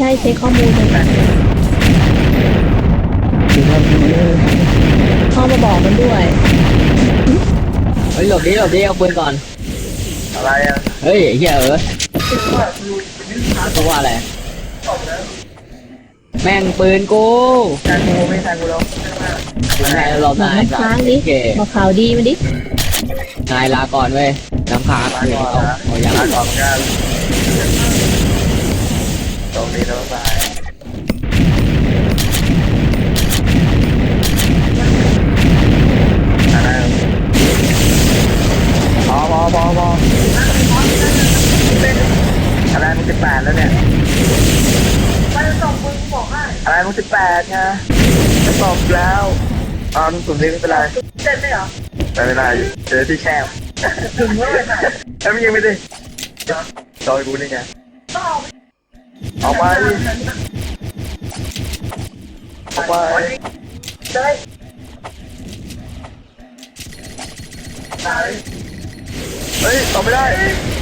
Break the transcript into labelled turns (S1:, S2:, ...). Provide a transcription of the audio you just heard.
S1: ช่เช็คข้อมูลเลยเข้ามาบอกมันด้วย
S2: เฮ้ยหลบดิเอาปืนก่อน
S3: อะไรอ่ะ
S2: เฮ้ยเฮียเพราะว่าอะไรแม่งปืนกู
S3: แทงกูไม่แทงกูแล้ว
S2: มันให้เรา
S1: บอก
S2: นาย
S1: น้ำค้างดิ
S2: โอเค
S1: บอกข่าวดีมันดิ
S2: นายลาก่อนเว้ยน้ำค้าง
S3: มา
S2: เดี๋ยว
S3: ก่อน
S2: เอา
S3: นะ
S2: เอาอย่าง
S3: มาก่อนกันตรงนี้แล้วไปอะไรพออะไรมึง18แล้วเนี่ยอะไรมึง18ไงจะตอบแล้วมึงสุ่มนี้ไม่เป็นไรไม่เป็นไรเจอที่แคบถึงเมื่อไหร่แล้วมึงยังไม่ได้จอยกูนี่ไงออกไปเฮ้ยตอบไม่ได้